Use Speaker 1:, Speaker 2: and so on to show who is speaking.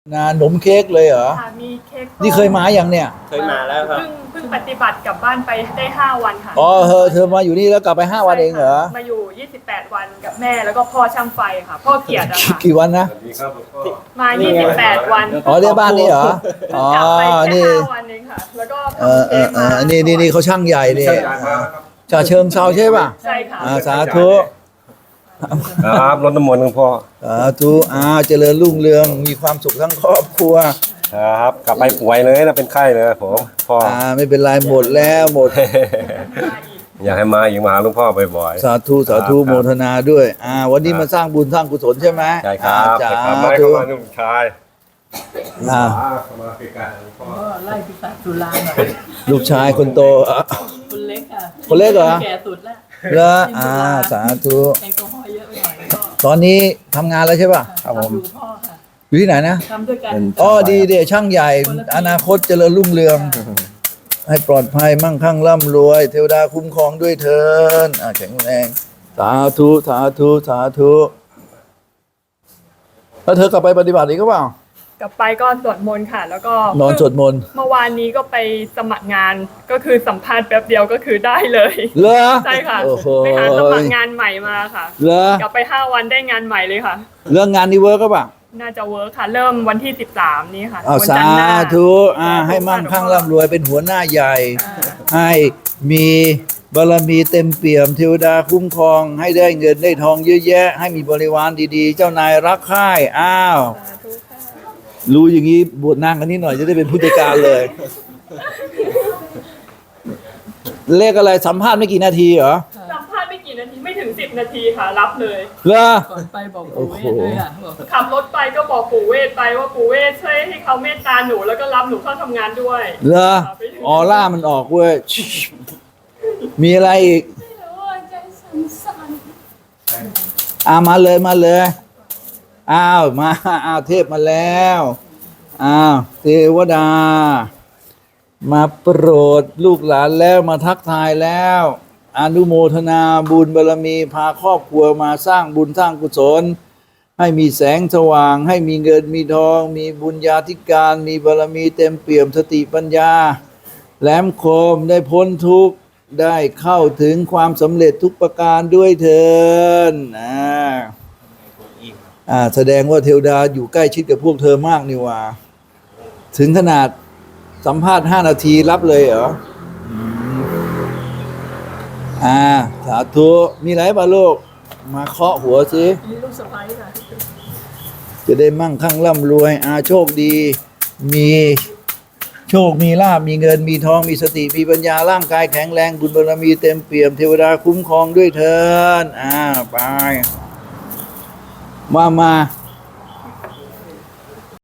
Speaker 1: ขนมเค้กเลยเหรอ
Speaker 2: ค่ะมีเค้ก
Speaker 1: นี่เคยมาอย่างเนี่ย
Speaker 3: เคยมาแล้วครับ
Speaker 2: เพิ่งปฏิบัติกลับบ้านไปได้5 วันค่ะ
Speaker 1: อ๋อเธอมาอยู่นี่แล้วกลับไป5 วันเองเหรอ
Speaker 2: มาอยู่28 วันกับแม่แล้วก็พ่อช่างไฟค่ะพ่อเกียรติอะค่ะ
Speaker 1: กี่วันนะ
Speaker 2: มา28 วัน
Speaker 1: อ๋อเรียกบ้านนี่เหรออ๋อก
Speaker 2: ลับไปแค่
Speaker 1: นี่
Speaker 2: 5 วันเองค่ะแล้วก็
Speaker 1: เออ
Speaker 2: ทำเค้กมา
Speaker 1: นี่เขาช่างใหญ่นี่ชาเชิงเซาใช่ป่ะ
Speaker 2: ใช่ค่ะ
Speaker 1: สาธุ
Speaker 3: ครับรดน้ำมนต์หลวงพ่อ
Speaker 1: สาธุเจริญรุ่งเรืองมีความสุขทั้งครอบครัว
Speaker 3: ครับกลับไปป่วยเลยนะเป็นไข้เลยผมพ่อ
Speaker 1: ไม่เป็นไรหมดแล้วหมด
Speaker 3: อยากให้มาอีกมาหลวงพ่อบ่อย
Speaker 1: ๆสาธุโมทนาด้วยวันนี้มาสร้างบุญสร้างกุศลใช่ไหม
Speaker 3: ใช่ครับ
Speaker 1: จ้า
Speaker 3: ไม่เข้ามาลูกชาย
Speaker 1: มา
Speaker 4: ไล่พิศาจจุฬาหน่อย
Speaker 1: ลูกชายคนโต
Speaker 4: คนเล็กค่ะ
Speaker 1: คนเล็กเหรอ
Speaker 4: แก่สุดแล้ว
Speaker 1: แล้วสาธุ
Speaker 4: แอลกอฮอล์เยอะไปหน่อยก็
Speaker 1: ตอนนี้ทำงานแล้วใช่ป่ะ
Speaker 4: ครับผมอยู่พ่อค่ะ
Speaker 1: อยู่ที่ไหนนะ
Speaker 4: ทำด้วยกัน
Speaker 1: ดีเดช่างใหญ่อนาคตเจริญรุ่งเรืองให้ปลอดภัยมั่งคั่งร่ำรวยเทวดาคุ้มครองด้วยเถิดแข็งแรงสาธุแล้วเธอกลับไปปฏิบัติอีกก็เปล่าก
Speaker 2: ลับไปก็สวดมนต์ค่ะแล้วก็
Speaker 1: นอนสวดมนต์
Speaker 2: เมื่อวานนี้ก็ไปสมัครงานก็คือสัมภาษณ์แป๊บเดียวก็คือได้เลย
Speaker 1: เหรอ
Speaker 2: ใช่ค่ะไปหาสมัครงานใหม่มาค่ะ
Speaker 1: เหรอก
Speaker 2: ลับไป5 วันได้งานใหม่เลยค่ะ
Speaker 1: เรื่องงานนี้เวิร์กก็เปล่า
Speaker 2: น่าจะเวิร์คค่ะเริ่มวันที่13นี้ค่ะ
Speaker 1: สาธุให้มั่งคั่งร่ำรวยเป็นหัวหน้าใหญ่ให้มีบารมีเต็มเปี่ยมเทวดาคุ้มครองให้ได้เงินได้ทองเยอะแยะให้มีบริวารดีๆเจ้านายรักใคร่รู้อย่างนี้บวชนางกันนิดหน่อยจะได้เป็นผู้จัดการเลยเลขอะไรสัมภาษณ์ไม่กี่นาทีเหรอ
Speaker 2: สัมภาษณ์ไม่กี่นาทีไม่ถึง10 นาทีค่ะรับเลย
Speaker 1: เหรอ
Speaker 4: ก่อนไปบอกปู่เวทด้วยค่ะ
Speaker 2: ขับรถไปก็บอกปู่เวทไปว่าปู่เวทช่วยให้เขาเมตตาหนูแล้วก็รับหนูเข้าทำงานด้วย
Speaker 1: เหรอออร่ามันออกเว้ยมีอะไรอีกมาเลยมาเทพมาแล้วเทวดามาโปรดลูกหลานแล้วมาทักทายแล้วอนุโมทนาบุญบารมีพาครอบครัวมาสร้างบุญสร้างกุศลให้มีแสงสว่างให้มีเงินมีทองมีบุญญาธิการมีบารมีเต็มเปี่ยมสติปัญญาแหลมคมได้พ้นทุกข์ได้เข้าถึงความสำเร็จทุกประการด้วยเถิดแสดงว่าเทวดาอยู่ใกล้ชิดกับพวกเธอมากนี่ว่าถึงขนาดสัมภาษณ์5 นาทีรับเลยเหรอสาธุมีอะไรบ้างลูกมาเคาะหัวสิ
Speaker 4: มีลูกสะใภ้ค่ะ
Speaker 1: จะได้มั่งคั่งร่ำรวยโชคดีมีโชคมีลาภมีเงินมีทองมีสติมีปัญญาร่างกายแข็งแรงบุญบารมีเต็มเปี่ยมเทวดาคุ้มครองด้วยเถิดไปมา